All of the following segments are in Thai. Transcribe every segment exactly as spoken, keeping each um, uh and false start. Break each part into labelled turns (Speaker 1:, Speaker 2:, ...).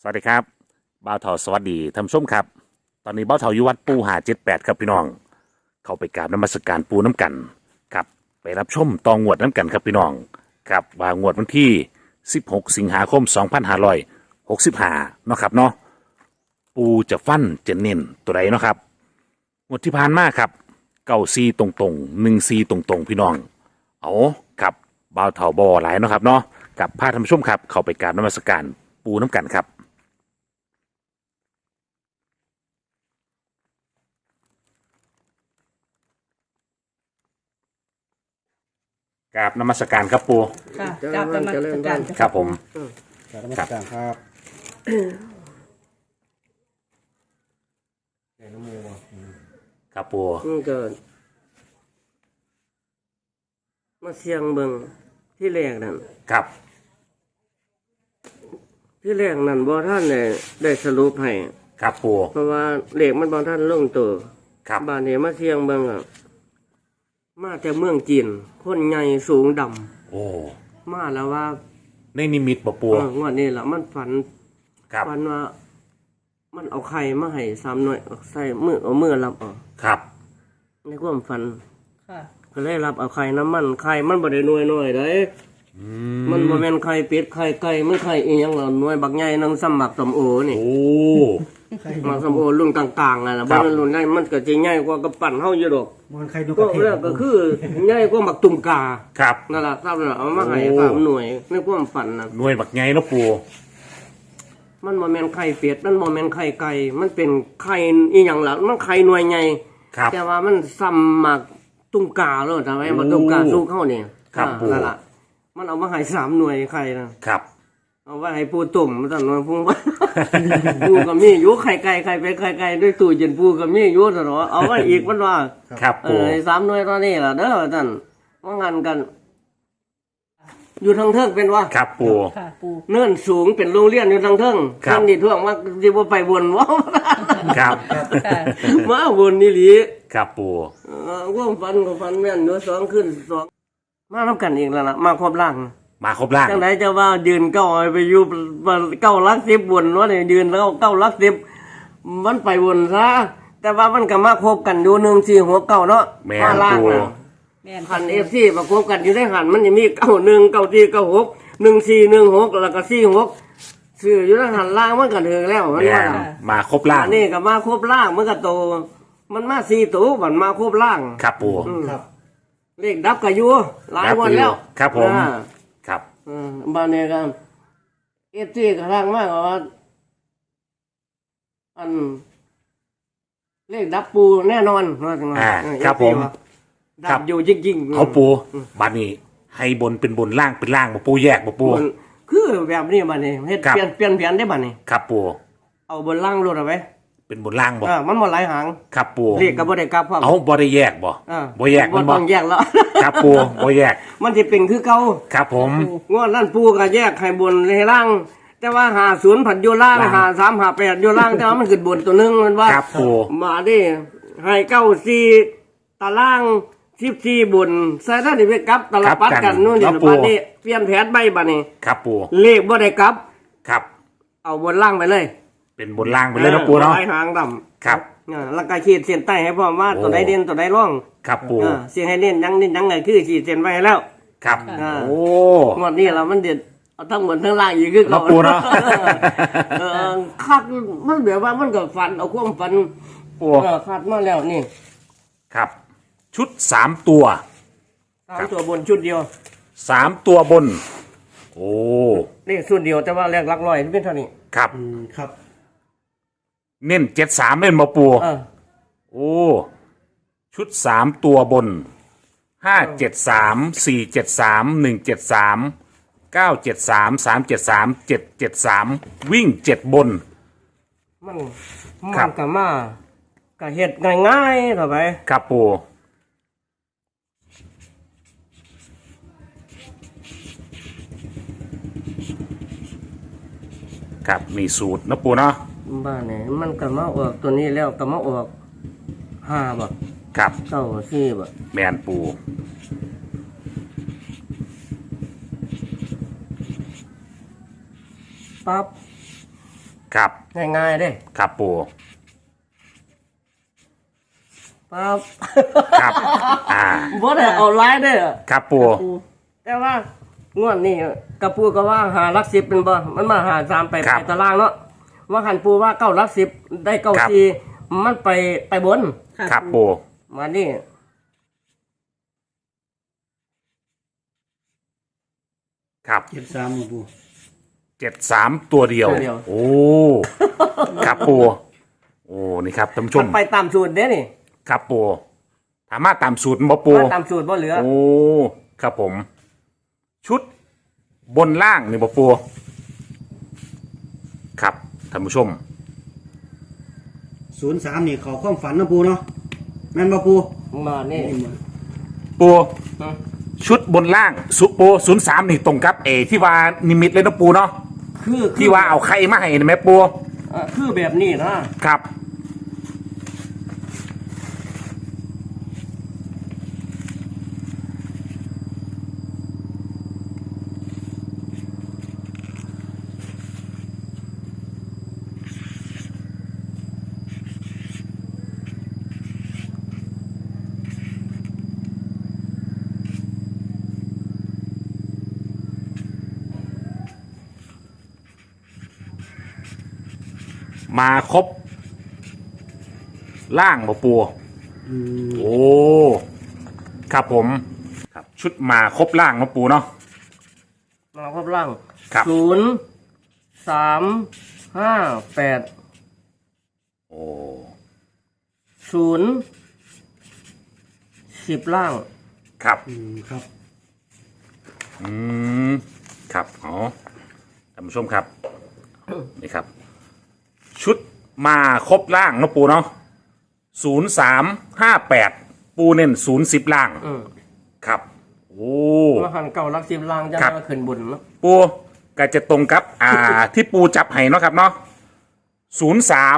Speaker 1: สวัสดีครับบ่าวเถาสวัสดีท่านผู้ชมครับตอนนี้บ่าวเถาอยู่วัดปูหาเจ็ดแปดครับพี่น้องเข้าไปกราบนมัสการปูน้ำกันครับไปรับชมตองงวดน้ำกันครับพี่น้องครับว่างวดวันที่สิบหกสิงหาคมสองพันห้าร้อยหกสิบห้าเนาะครับเนาะปูจะฟันจะเน้นตัวใดเนาะครับงวดที่ผ่านมาครับเก้าซีตรงตรงหนึ่งซีตรงตรงพี่น้องเอาครับบ่าวเถาบ่อหลายเนาะครับเนาะกับพาท่านผู้ชมครับเข้าไปกราบนมัสการปูน้ำกันครับกราบนมัสการครับปู
Speaker 2: ค่ะ
Speaker 3: เจริญ
Speaker 2: กราบนมัส
Speaker 3: เจริญ
Speaker 2: การ
Speaker 1: ครับผม
Speaker 3: กราบนมัสการครับแก่น้ำมูก
Speaker 1: ครับปู
Speaker 3: มันเกิดมาเสียงเบิ่งที่แรกนั่น
Speaker 1: ครับ
Speaker 3: ที่แรกนั่นบ่ท่านได้ได้สรุปให้
Speaker 1: ครับปู
Speaker 3: เพราะว่าเลขมันบ่ท่านลงตัว
Speaker 1: ครับ
Speaker 3: บ้านนี้มาเสียงเบิ่งอ่ะมาแต่เมืองจีนคนใหญ่สูงดำ
Speaker 1: โอ้
Speaker 3: มาแล้วว่า
Speaker 1: ในนิมิตบ่ปู
Speaker 3: เอองวดนี้ล่ะมันฝัน
Speaker 1: ครับ
Speaker 3: ฝันว่า มันเอาไข่มาให้สามหน่วยเอาใส่มือเอามือรับเอา
Speaker 1: ครับ
Speaker 3: ในความฝัน
Speaker 2: ค่ะ
Speaker 3: ก็เลยรับเอาไข่น้ำมันไข่มันบ่ได้หน่วยน้อยเด้
Speaker 1: อื
Speaker 3: มันบ่แม่นไข่เป็ดไข่ไก่มันไข่อีหยังล่ะหน่วยบักใหญ่นังสมักสมโอนี่
Speaker 1: โอ้
Speaker 3: หมักสมโอรุ่นต่างๆน่ะนะ
Speaker 1: ครั
Speaker 3: บ่
Speaker 1: บ
Speaker 3: แม่นรุ่นใหญ่มันก็สิใหญ่กว่ากระปั่นเฮาอยู่ดอก
Speaker 4: มันใครดูก
Speaker 3: ก็
Speaker 4: ระเท
Speaker 3: แรกก็คือใหญ่กว่าหมักตุ่มกา
Speaker 1: ครับ
Speaker 3: นั่นล่ะทราบแล้วเอามาให้
Speaker 1: โอ้
Speaker 3: สามหน่วยในความฝันน่ะ
Speaker 1: หน่วยบักไงเนาะปู
Speaker 3: มันบ่แม่นไข่เป็ดมันบ่แม่นไข่ไก่มันเป็นไข่อีหยังล่ะมันไข่หน่วยใหญ่
Speaker 1: ครับ
Speaker 3: แต่ว่ามันซ้ำหมักตุ่มกาแล้วทำไมหมักตุ่มกาสู้เข้านี่
Speaker 1: ครับ
Speaker 3: อ่า
Speaker 1: ปู่
Speaker 3: นั่นล่ะมันเอามาให้สามหน่วยไข่น่ะ
Speaker 1: ครับ
Speaker 3: เอาไว้ให้ปูตุ่มมาตอนนั้นปูว่า ปูกับมีอยู่ไข่ไก่ไข่เป็ดไข่ไก่ด้วยตู้เย็นปูกับมีอยู่ตลอดเอาไว้อีกมันว่า
Speaker 1: ครับ
Speaker 3: เอ
Speaker 1: ปู
Speaker 3: อสามหน่วยตอนนี้ล่ะเด้อท่านว่างานกัน อยู่ทางเทิงเป็นว่า
Speaker 1: ครับปู
Speaker 2: ค่ะปู
Speaker 3: เนื่นสูงเป็นโรงเรียนอยู่ทางเทิง
Speaker 1: ครับ
Speaker 3: ท่านนี่ท่วงว่าสิบ่ไปบนว่า
Speaker 1: ครับ
Speaker 2: ค่ะ
Speaker 3: มาบนนี่หลี
Speaker 1: ครับปู
Speaker 3: เออความฝันของฝันแม่นอยู่สองขึ้นสองมาทำกันอีกแล้วล่ะมาครบร่าง
Speaker 1: มาครบร่าง
Speaker 3: จังไหนจะว่ายืนเก้าไปอยู่เก้าลักสิบบนว่าเนี่ยยืนแล้วเก้าลักสิบมันไปบนซะแต่ว่ามันก็มาคบกันอยู่หนึ่งสี่หัวเก้าเนาะ
Speaker 1: แม่
Speaker 3: มาน ล่าง
Speaker 1: ปู
Speaker 3: น่ะ
Speaker 2: แม่น
Speaker 3: หันเอฟซีมาคบกันอยู่ในหันมันจะมีเก้าหนึ่งเก้าสี่เก้าหกหนึ่งสี่หนึ่งหกแล้วก็สี่หกสื่ออยู่ในหันล่างมันก็ถึงแล้วมัน
Speaker 1: แม่
Speaker 3: ว่าน
Speaker 1: มาครบร่าง
Speaker 3: อันนี้ก็มาครบล่างมันก็โต มันมาสี่ตัวมันมาครบล่าง
Speaker 1: ครับปู
Speaker 3: อืม
Speaker 4: ครับ
Speaker 3: เลขดับกับยูหลายวันแล้ว
Speaker 1: ครับผม
Speaker 3: อ่า
Speaker 1: ครับ
Speaker 3: อืมบ้านนี้ก็เอฟซีกระทั่งมากว่าอันเลขดับปูแน่นอนว่าจังหวะ
Speaker 1: อ่า
Speaker 3: เออ
Speaker 1: ครับ
Speaker 3: เอฟซี
Speaker 1: ผม
Speaker 3: ว่า
Speaker 1: ครั
Speaker 3: ดั
Speaker 1: บ
Speaker 3: บอยู่จริงๆ
Speaker 1: เอาปูบัดนี้ให้บนเป็นบนล่างเป็นล่างบ่ปูแยกบ่ปู
Speaker 3: มันคือแบบนี้บ้านนี้เฮ็ด
Speaker 1: ครับ
Speaker 3: เปลี่ยนเปลี่ยนแผนได้บ้านนี้
Speaker 1: ครับปู
Speaker 3: เอาบนล่างรถเอาไว้
Speaker 1: เป็นบนล่างบ่
Speaker 3: อ่ามันบ่หลายหาง
Speaker 1: ครับปู
Speaker 3: เลขก็บ่ได้กลับพร้อม
Speaker 1: เอาบ่ได้แยกบ่
Speaker 3: อ่า
Speaker 1: บ่แยก
Speaker 3: บ่
Speaker 1: มันบ่
Speaker 3: ต้องแยกแล้ว
Speaker 1: ครับปูบ่แยก
Speaker 3: มันสิเป็นคือเก่า
Speaker 1: ครับผม
Speaker 3: งวดนั้นปูก็แยกให้บนให้ล่าง แต่ว่าหาศูนย์ผัดอยู่ล่าง
Speaker 1: ล่าง
Speaker 3: หาสามหาแปดอยู่ล่างแต่ว่ามันขึ้นบนตัวหนึงมันว่า
Speaker 1: ครับปู
Speaker 3: มาดิให้เก้าสี่ตารางสิบสี่บุญใส่ได้ไปกลับตลปัดกันนู่นนี่บัดนี้เปลี่ยนแผนใบบัดนี้
Speaker 1: ครับปู
Speaker 3: เลขบ่ได้กลับ
Speaker 1: ครับ
Speaker 3: เอาบนล่างไปเลย
Speaker 1: เป็นบนล่างไปเลยเนาะปูเนาะ
Speaker 3: ลายหางดำ
Speaker 1: ครับ
Speaker 3: อ่าแล้วก็ขีดเส้นใต้ให้พร้อมว่า
Speaker 1: โอ้
Speaker 3: ตัวใดเด่นตัวใดร่อง
Speaker 1: ครับปู
Speaker 3: อ่าเสียงให้เน้นยังเน้นยังไงคือขีดเส้นไว้ให้แล้ว
Speaker 1: ครับ
Speaker 3: อ่า
Speaker 1: โอ้
Speaker 3: งวดนี้เรามันเด็ดเอาทั้งบนทั้งล่างอีกคือ
Speaker 1: เนาะปูเนาะ
Speaker 3: เออคัดมันแบบว่ามันก็ฟันเอาความฟัน
Speaker 1: ปู
Speaker 3: เออคัดมาแล้วนี่
Speaker 1: ครับ ชุดสามตัว
Speaker 3: สามตัวบนชุดเดียว
Speaker 1: สามตัวบน โอ้
Speaker 3: นี่ชุดเดียวแต่ว่าแรกหลักร้อยเป็นเท่านี้
Speaker 1: ครับ
Speaker 4: อืมครับ
Speaker 1: เน้นเจ็ดสามเล่นมาปู
Speaker 3: เออ
Speaker 1: โอ้ ชุดสามตัวบนห้าเจ็ดสามสี่เจ็ดสามหนึ่งเจ็ดสามเก้าเจ็ดสามสามเจ็ดสามเจ็ดเจ็ดสามวิ่งเจ็ดบน
Speaker 3: มัน
Speaker 1: ครั
Speaker 3: มั
Speaker 1: บ
Speaker 3: นก็มาก็เฮ็ดง่ายๆต่อไป
Speaker 1: ครับปูครับมีสูตรนะปูเนาะ
Speaker 3: บ้านนี่มันก็มาออกตัวนี้แล้วก็มาออกห้าบ่
Speaker 1: ครับ
Speaker 3: เก้าสี่บ่
Speaker 1: แมนปู
Speaker 3: ปั๊บ
Speaker 1: ครับ
Speaker 3: ง่ายๆเด้
Speaker 1: ครับปู
Speaker 3: ครับ
Speaker 1: ครับอ่า
Speaker 3: บ่ได้เอาหลายเด้อ
Speaker 1: ครับปู
Speaker 3: แต่ว่างวดนี้กระปูก็ว่าหาหลักสิบเป็นบ่มันมาหาสามไปไปตารางเนาะว่าหันปูว่าเก้าหลักสิบได้เก้าสี่มันไปไปบน
Speaker 1: ครับปู
Speaker 3: มานี่
Speaker 1: ครับ
Speaker 2: เจ็ดสามปู
Speaker 1: เจ็ดสามตัวเดียว โอ้ครับปูโอ้นี่ครับท่านผู้ช
Speaker 3: มั
Speaker 1: ม
Speaker 3: นไปตามสูตรเด้นี่
Speaker 1: ครับปูถามมาตามสูตรบ่ปู
Speaker 3: มาตามสูตรบ่เหลือ
Speaker 1: โอ้ครับผม ชุดบนล่างนี่บ่ปูครับท่านผู้ชม
Speaker 2: ศูนย์สามนี่เขาความฝันนะปูเนาะแม่นบ่ปู
Speaker 3: มานี่
Speaker 1: ปู
Speaker 3: ฮะ
Speaker 1: ชุดบนล่างสุปูศูนย์สามนี่ตรงกับเอที่ว่านิมิตเลยนะปูเนาะ
Speaker 3: คือ
Speaker 1: ที่ว่าเอาไข่มาให้เห็นไหมปู
Speaker 3: อ่ะคือแบบนี้นะครับ
Speaker 1: มาครบล่างบ่ปู
Speaker 2: อืม
Speaker 1: โอ้ครับผมครับชุดมาครบล่างนะปูเนาะ
Speaker 3: มาครบล่าง
Speaker 1: ครับ
Speaker 3: ศูนย์สามห้าแปด
Speaker 1: โอ้
Speaker 3: ศูนย์สิบล่าง
Speaker 1: ครับ
Speaker 2: อืมครับ
Speaker 1: อืมครับอ๋อท่านผู้ชมครับ นี่ครับ ชุดมาครบล่างนะปูเนาะศูนย์สามห้าแปดปูเน้นศูนย์สิบล่าง
Speaker 3: อืม
Speaker 1: ครับ โอ้
Speaker 3: มาหันเก่ารักสิบล่างจะ
Speaker 1: ครับ
Speaker 3: มาขึ้นบนเนาะ
Speaker 1: ปูก็จะตรงกับ อ่า ที่ปูจับให้เนาะครับเนาะศูนย์สาม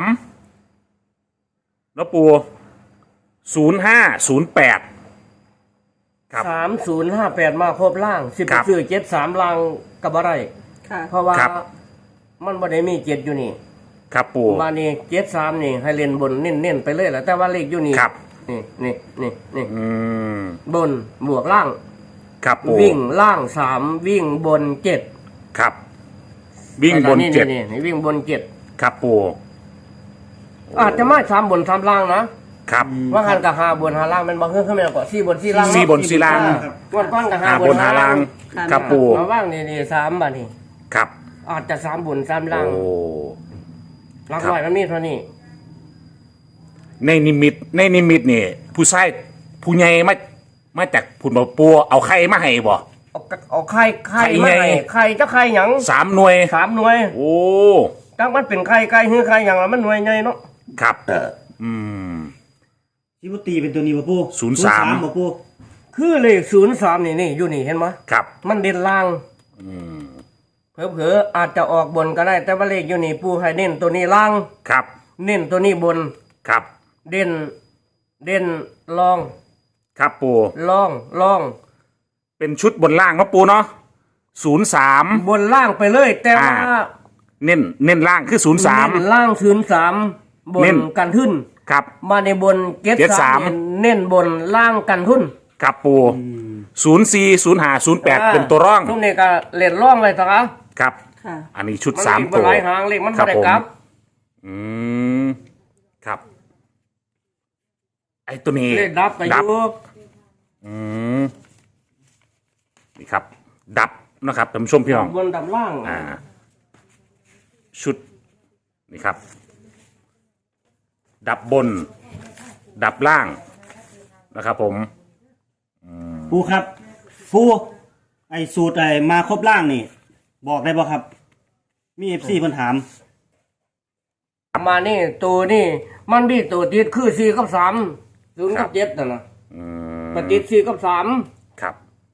Speaker 1: แล้วปูศูนย์ห้าศูนย์แปดครับ
Speaker 3: สามศูนย์ห้าแปดมาครบล่างสิบ
Speaker 1: ครับ
Speaker 3: ซื้อเจ็ดสามล่างกับอะไร
Speaker 4: ค่ะ
Speaker 3: เพราะว่า
Speaker 1: ครับ
Speaker 3: มันบ่ได้มีเจ็ดอยู่นี่
Speaker 1: ครับปู
Speaker 3: มานี่เจ็ดสามนี่ให้เล่นบนเน้นๆไปเลยแหละแต่ว่าเลขอยู่นี่
Speaker 1: ครับ
Speaker 3: นี่นี่นี่นี่
Speaker 1: อืม
Speaker 3: บนบวกล่าง
Speaker 1: ครับปู
Speaker 3: วิ่งล่างสามวิ่งบนเจ็ด
Speaker 1: ครับ วิ่งบนเจ็ด
Speaker 3: นี่นี่วิ่งบนเจ็ด
Speaker 1: ครับปู
Speaker 3: อาจจะมาสามบนสามล่างนะครับ ว่าหันกับหาบนหาล่างมันบอกเฮ้ยขึ้นมาก่อนสี่บนสี่ล่าง
Speaker 1: สี่บนสี่ล่าง
Speaker 3: วันก้อนกับหา
Speaker 1: หา
Speaker 3: บบ น
Speaker 1: นหาล่าง
Speaker 4: ค่ะ
Speaker 1: ครับปู
Speaker 3: มาว่างนี่นี่สามบาทนี่
Speaker 1: ครับ
Speaker 3: อาจจะสามบนสามล่าง
Speaker 1: โอ้
Speaker 3: ลัก
Speaker 1: ครับ
Speaker 3: ร้อยมันมีเท่านี้
Speaker 1: ในนิมิตในนิมิตนี่ผู้ชายผู้ใหญ่มามาจากผุนบ่ปูเอาไข่มาให้บ่
Speaker 3: เอากะเอาไข่ไข่
Speaker 1: ไข่
Speaker 3: มา
Speaker 1: ไง
Speaker 3: ให้ไข่จะไข่หยัง
Speaker 1: สามหน่วย
Speaker 3: สามหน่วย
Speaker 1: โอ้
Speaker 3: จังมันเป็นไข่ไก่หื้อไข่หยังละมันหน่วยใหญ่เนาะ
Speaker 1: ครับ อืม
Speaker 2: ชิบุตีเป็นตัวนี้บ่ปู
Speaker 1: ศูนย์สาม
Speaker 2: บ่ปู
Speaker 3: คือเลขศูนย์สามนี่นี่อยู่นี่เห็นไหม
Speaker 1: ครับ
Speaker 3: มันเด่นล่าง
Speaker 1: อืม
Speaker 3: เผลอๆอาจจะออกบนก็ได้ แต่ว่าเลขอยู่นี่ปูให้เน้นตัวนี้ล่าง
Speaker 1: ครับ
Speaker 3: เน้นตัวนี้บน
Speaker 1: ครับ
Speaker 3: เด่นเด่นลอง
Speaker 1: ครับปู
Speaker 3: ลองลอง
Speaker 1: เป็นชุดบนล่างเนาะปูเนาะศูนย์สาม
Speaker 3: บนล่างไปเลย แต่ว่า
Speaker 1: อ่า เน้นเน้นล่างคือศูนย์สาม
Speaker 3: เน้นล่างศูนย์สามบน
Speaker 1: เน้น
Speaker 3: กันขึ้น
Speaker 1: ครับ
Speaker 3: มาในบนเกต
Speaker 1: เจ็ด
Speaker 3: สา
Speaker 1: สาม
Speaker 3: มเน้นบนล่างกันทุน
Speaker 1: ครับปูศูนย์สี่ศูนย์ห้าศูนย์แปด
Speaker 3: อ่า
Speaker 1: เป็นตัวร่อง
Speaker 3: ทุกนี่ก็เล่นร่องเลยสักอ่ะ
Speaker 1: ครับ
Speaker 4: ค่ะ
Speaker 1: อันนี้ชุด
Speaker 3: มัน
Speaker 1: สาม
Speaker 3: มี
Speaker 1: ตัว
Speaker 3: หลายหางเลขมัน
Speaker 1: ครั
Speaker 3: ไม่ได้
Speaker 1: ผม
Speaker 3: กลับ
Speaker 1: อืมครับ ไอ้ตัวนี้
Speaker 3: เลขดับไปอยู่
Speaker 1: อืมนี่ครับ ดับนะครับท่านผู้ชมพี่น้อง
Speaker 3: บนดับล่าง
Speaker 1: อ่า ชุดนี่ครับ ดับบน ดับล่างนะครับ ผม
Speaker 2: ปูครับปูไอ้สูตรไอ้มาครบล่างนี่ บอกได้บ่ครับ มี เอฟ ซี เพิ่นถาม
Speaker 3: มานี่ตัวนี่มันมีตัวติดคือสี่กับสามศูนย์กับเจ็ดนะนะ
Speaker 1: อืม
Speaker 3: มันติดสี่กับสาม
Speaker 1: ครับ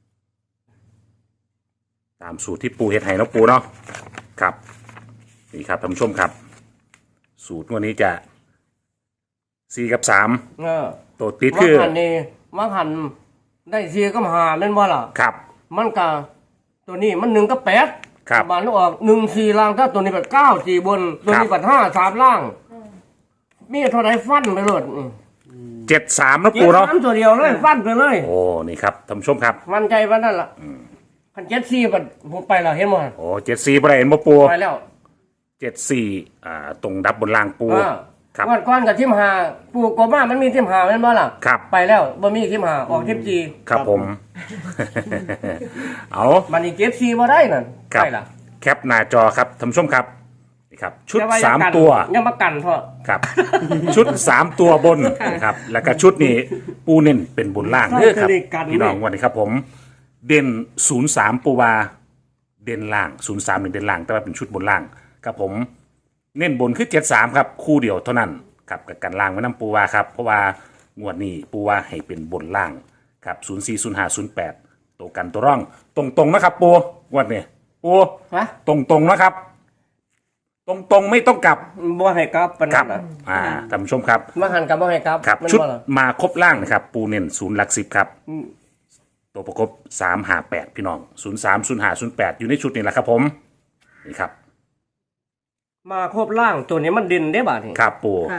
Speaker 1: ตามสูตรที่ปูเฮ็ดให้เนาะปูเนาะครับนี่ครับท่านผู้ชมครับ สูตรวันนี้จะสี่กับสาม
Speaker 3: เออ
Speaker 1: ตัวติด
Speaker 3: มั
Speaker 1: คื
Speaker 3: ง
Speaker 1: อ
Speaker 3: หันนี่มังหันได้สี่กับห้าเล่นบ่ล่ะ
Speaker 1: ครับ
Speaker 3: มันก็ตัวนี้มันหนึ่งกับแปด
Speaker 1: ครับ
Speaker 3: บานออกหนึ่งสี่ล่างถ้าตัวนี้เป็นเก้าสี่บน ตัวนี้เป็นห้าสามล่าง มีเท่าไรฟันไปเลยนี่
Speaker 1: เจ็ดสามนะ
Speaker 3: เจ็
Speaker 1: ปู
Speaker 3: ด
Speaker 1: เนาะ
Speaker 3: สามตัวเดียวเลยฟันไปเลย
Speaker 1: โอ้นี่ครับท่านผู้ชมครับ
Speaker 3: มันใจว่านั่นล่ะพันเจ็ดสี่มันผมไปแล้วเห็นมั้ย
Speaker 1: โอ้เจ็ดสี่ประเด็นบ่ปู
Speaker 3: ไปแล้ว
Speaker 1: เจ็ดสี่อ่าตรงดับบนล่างปู
Speaker 3: อ่า
Speaker 1: ครับ
Speaker 3: วันก้อนกับทิมหาปูกบมามันมีทิมหาแม่นบ่ล่ะ
Speaker 1: ครับ
Speaker 3: ไปแล้วบ่มีทิมหาออกทิมจี
Speaker 1: ครับผม เอา
Speaker 3: มันอีกเจ็ดสี่บ่ได้นั่น
Speaker 1: ครับ
Speaker 3: ไปล่ะ
Speaker 1: แคปหน้าจอครับท่านผู้ชมครับนี่ครับ ชุด
Speaker 3: อย่ว่
Speaker 1: สาม
Speaker 3: อย่กัน
Speaker 1: ตัว
Speaker 3: ยังมากันเถอะ
Speaker 1: ครับ ชุดสามตัวบนนะครับ แล้วก็ชุดนี้ปูเน้นเป็นบนล่างเด้อครับ
Speaker 2: เลขกัน
Speaker 1: พี่น้องวันนี้ครับผม เด่นศูนย์สามปูวาเด่นล่างศูนย์สามหนึ่งเด่นล่าง แต่ว่าเป็นชุดบนล่างครับผม เน้นบนคือเจ็ดสามครับ คู่เดียวเท่านั้นครับกับกันล่างไว้น้ำปูวาครับ เพราะว่างวดนี้ปูวาให้เป็นบนล่างครับศูนย์สี่ศูนย์ห้าศูนย์แปดตัวกันตัวร่อง ตรงๆนะครับปูงวดนี้ปู
Speaker 3: ฮะ
Speaker 1: ตรงๆนะครับ ตรงๆไม่ต้องกลับ
Speaker 3: บ่ให้กลับปาน
Speaker 1: ครั
Speaker 3: นั้
Speaker 1: บ
Speaker 3: นน่ะ
Speaker 1: อ่าท่านผู้ชมครับ
Speaker 3: มาหันกับบ่ให้กลับ
Speaker 1: ครับ
Speaker 3: แม่น
Speaker 1: ชุด
Speaker 3: บ่ล่ะ
Speaker 1: มาครบล่างนะครับ ปูเน้นศูนย์หลักสิบครับ
Speaker 3: อืม
Speaker 1: ตัวประกบสามหาแปดพี่น้องศูนย์สามศูนย์หาศูนย์แปดอยู่ในชุดนี้แหละครับผม นี่ครับ
Speaker 3: มาครบล่างตัวนี้มันดินได้บาดนี่
Speaker 1: ครับปู
Speaker 4: ค่ะ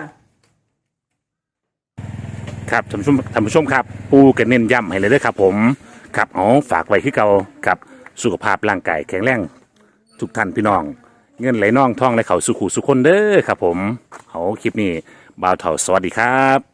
Speaker 1: ครับท่านผู้ชมท่านผู้ชมครับ ปูกันเน้นย้ำให้เลยเด้อครับผมครับอ๋อฝากไว้คือเก่าครับสุขภาพร่างกายแข็งแรงทุกท่านพี่น้อง เงินไหลน่องท่องไหลเข่าสุขุสุขคนเด้อครับผมเอาคลิปนี้บ่าวเถ่าสวัสดีครับ